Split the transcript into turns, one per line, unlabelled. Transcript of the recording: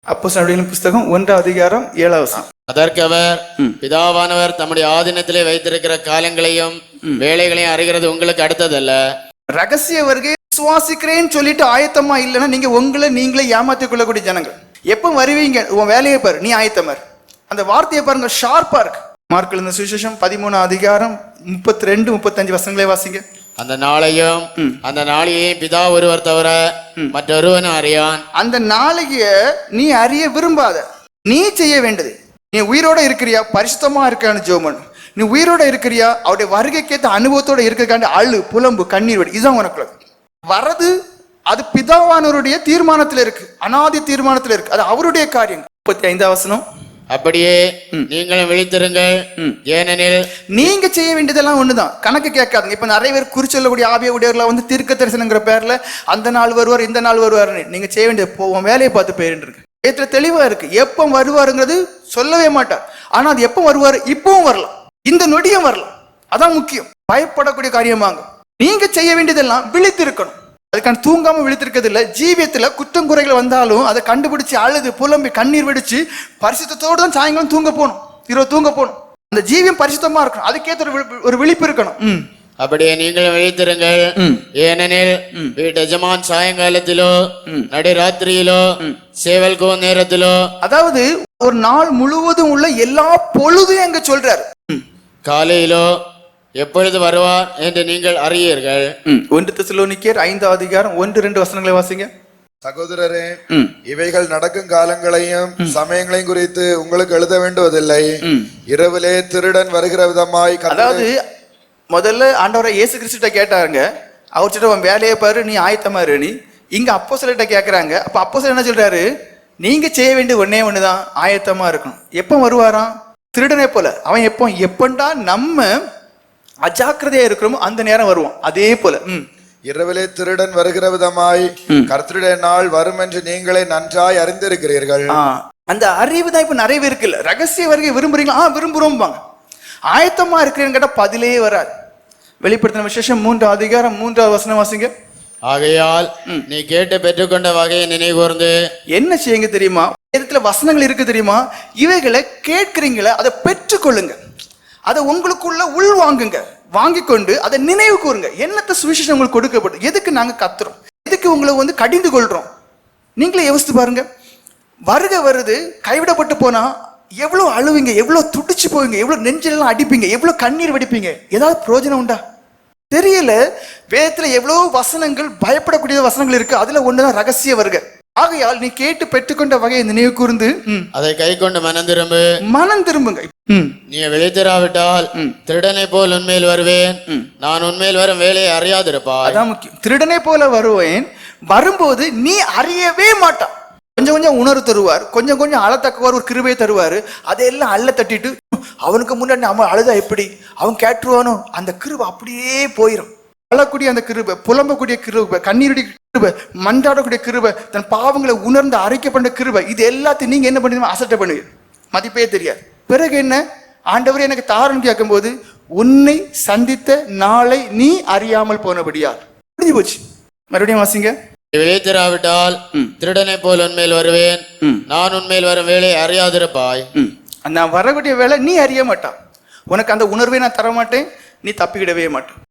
அப்போஸ்தலர்களின் புஸ்தகம் 1:7.
அதற்கு அவர், பிதாவானவர் தம்முடைய ஆதீனத்திலே வைத்திருக்கிற காலங்களையும் வேலைகளையும் அறிகிறது உங்களுக்கு அடுத்ததல்ல.
ரகசிய வருகை விசுவாசிக்கிறேன்னு சொல்லிட்டு ஆயத்தமா இல்லைன்னா நீங்க உங்களை நீங்களே ஏமாத்திக் கொள்ளக்கூடிய ஜனங்கள். எப்போ வருவீங்க? உன் வேலையை பாரு, நீ ஆயத்தமார். அந்த வார்த்தையை பாருங்க, ஷார்ப்பா இருக்கு. மார்க் எழுதின சுவிசேஷம் 13:32-35 வாசிங்க.
அந்த நாளையும் அந்த நாளையும் பிதா ஒருவர் தவிர மற்றொருவனும் அறியான்.
அந்த நாளைய நீ அறிய விரும்பாத, நீ செய்ய வேண்டியது, நீ உயிரோட இருக்கிறியா, பரிசுத்தமா இருக்கான்னு ஜோமன். நீ உயிரோட இருக்கிறியா, அவருடைய வருகைக்கேற்ற அனுபவத்தோட இருக்கிறக்காண்டி அழு, புலம்பு, கண்ணீர் வடி. இதுதான் உனக்கு வரது. அது பிதாவானவருடைய தீர்மானத்தில் இருக்கு, அனாதி தீர்மானத்தில் இருக்கு. அது அவருடைய காரியம். 35
அப்படியே நீங்களும் விழித்திருங்கள், ஏனெனில்
நீங்க செய்ய வேண்டியதெல்லாம் ஒண்ணுதான். கணக்கு கேட்காதுங்க. இப்ப நிறைய பேர் குறிச்சொல்லக்கூடிய ஆவிய உடையவர்களா வந்து தீர்க்க தரிசனங்கிற பேர்ல அந்த நாள் வருவார் இந்த நாள் வருவாருன்னு நீங்க செய்ய வேண்டியது போவோம் வேலையை பார்த்து போயிட்டு இருக்கு. ஏற்ற தெளிவா இருக்கு. எப்ப வருவாருங்கிறது சொல்லவே மாட்டார். ஆனா அது எப்ப வருவாரு, இப்பவும் வரலாம், இந்த நொடியும் வரலாம். அதான் முக்கியம். பயப்படக்கூடிய காரியமாங்க. நீங்க செய்ய வேண்டியதெல்லாம் விழித்திருக்கணும். அதுக்கான தூங்காம விழித்திருக்கிறது இல்ல. ஜீவியத்துல குற்றம் குறைகள் வந்தாலும் அதை கண்டுபிடிச்சு அழுது புலம்பி கண்ணீர் வெடிச்சு பரிசுத்தத்தோடு தான் சாயங்காலம் தூங்க போகணும், இரவு தூங்க போகணும். அந்த ஜீவியம் பரிசுத்தமா இருக்கணும். அதுக்கேற்ற ஒரு விழிப்பு இருக்கணும்.
அப்படியே நீங்களும் விழித்திருங்கள், ஏனெனில் வீட்டு எஜமான் சாயங்காலத்திலோ நடுராத்திரியிலோ சேவல் கோ நேரத்திலோ, அதாவது
ஒரு நாள் முழுவதும் உள்ள எல்லா பொழுதும் எங்க சொல்றாரு,
காலையிலோ எப்பொழுது வருவார் என்று நீங்கள் அறியீர்கள்.
1 தெசலோனிக்கேயர் 5:1-2 வாசிங்க.
சகோதரரே, இவைகள் நடக்கும் காலங்களையும் சமயங்களையும் குறித்து உங்களுக்கு எழுத வேண்டுவதில்லை. இரவிலே திருடன் வருகிற விதமாய்.
அதாவது முதல்ல ஆண்டவரை இயேசு கிறிஸ்துட்ட கேட்டாருங்க. அவர்கிட்ட உன் வேலையை பாரு, நீ ஆயத்தமா இரு. நீ இங்க அப்போஸ்தலர்கிட்ட கேட்கறாங்க. அப்ப அப்போஸ்தலர் என்ன சொல்றாரு, நீங்க செய்ய வேண்டிய ஒன்னே ஒண்ணுதான், ஆயத்தமா இருக்கணும். எப்போ வருவாராம்? திருடனே போல. அவன் எப்பண்டா நம்ம அஜாக்கிரதையா இருக்கிறோமோ அந்த நேரம் வருவான். அதே போல
இரவிலே திருடன் வருகிற விதமாய் கர்த்தருடைய நாள் வரும் என்று நீங்களே நன்றாய் அறிந்திருக்கிறீர்கள்.
அந்த அறிவு தான் இப்ப நிறைய பேருக்கு இல்ல. ரகசிய வருகை விரும்புறீங்களா? விரும்புறோம். ஆயத்தமா இருக்கிறேன்னு கேட்டா பதிலே வராது. வெளிப்படுத்தின விசேஷம் 3:3 வாசிங்க.
ஆகையால் நீ கேட்டு பெற்றுக்கொண்ட வகையை நினைவுகூர்ந்து
என்ன செய்யுங்க தெரியுமா? வேதத்துல வசனங்கள் இருக்கு தெரியுமா? இவைகளை கேட்கிறீங்களா, அதை பெற்றுக்கொள்ளுங்க. அதை உங்களுக்குள்ள உள் வாங்குங்க. வாங்கி கொண்டு அதை நினைவு கூறுங்க. என்னத்த சுவிசேஷம் உங்களுக்கு கொடுக்கப்படும், எதுக்கு நாங்க கத்துறோம், எதுக்கு உங்களை வந்து கடிந்து கொள்றோம். நீங்களே யோசித்து பாருங்க. வருகை வருது, கைவிடப்பட்டு போனா எவ்வளவு அழுவீங்க, எவ்வளவு துடிச்சு போவீங்க, எவ்வளவு நெஞ்செல்லாம் அடிப்பீங்க, எவ்வளவு கண்ணீர் வடிப்பீங்க. ஏதாவது பிரயோஜனம் உண்டா? தெரியல. வேதத்துல எவ்வளவு வசனங்கள், பயப்படக்கூடிய வசனங்கள் இருக்கு. அதுல ஒண்ணுதான் ரகசிய வருகை. ஆகையால் நீ கேட்டு பெற்றுக்கொண்ட வகையை நினைவு கூர்ந்து
அதை கை கொண்டு
மனம் திரும்புங்க.
நீ விழித்திராவிட்டால் திருடனை போல் உண்மையில் வருவேன், நான் உண்மையில் வரும் வேலையை அறியாதிருப்பாய்.
அதான் முக்கியம். திருடனை போல வருவேன். வரும்போது நீ அறியவே மாட்டான். கொஞ்சம் கொஞ்சம் உணர்வு தருவார், கொஞ்சம் கொஞ்சம் அழத்தக்கவார், ஒரு கிருபையை தருவாரு. அதையெல்லாம் அள்ள தட்டிட்டு அவனுக்கு முன்னாடி அவன் அழுதா எப்படி, அவன் கேட்டுருவானோ, அந்த கிருபை அப்படியே போயிடும். அழக்கூடிய அந்த கிருபை, புலம்பக்கூடிய கிருபை, கண்ணீருடைய கிருபை, மன்றாடக்கூடிய கிருபை, தன் பாவங்களை உணர்ந்து அரைக்கப்பட்ட கிருபை, இது எல்லாத்தையும் நீங்க என்ன பண்ணுவீங்க? அசட்டை பண்ணுவீங்க. மதிப்பே தெரியாது. பிறகு என்ன? ஆண்டவரே எனக்கு தாரன்னு கேட்கும் போது, உன்னை சந்தித்த நாளை நீ அறியாமல் போனபடியால் முடிஞ்சு போச்சு. மறுபடியும் வாசிங்க.
விழித்திராவிட்டால் திருடனை போல் உண்மையில் வருவேன், நான் உண்மையில் வரும் வேலையை அறியாதிருப்பாய்.
நான் வரக்கூடிய வேலை நீ அறிய மாட்டான். உனக்கு அந்த உணர்வை நான் தர மாட்டேன், நீ தப்பிக்கிடவே மாட்டான்.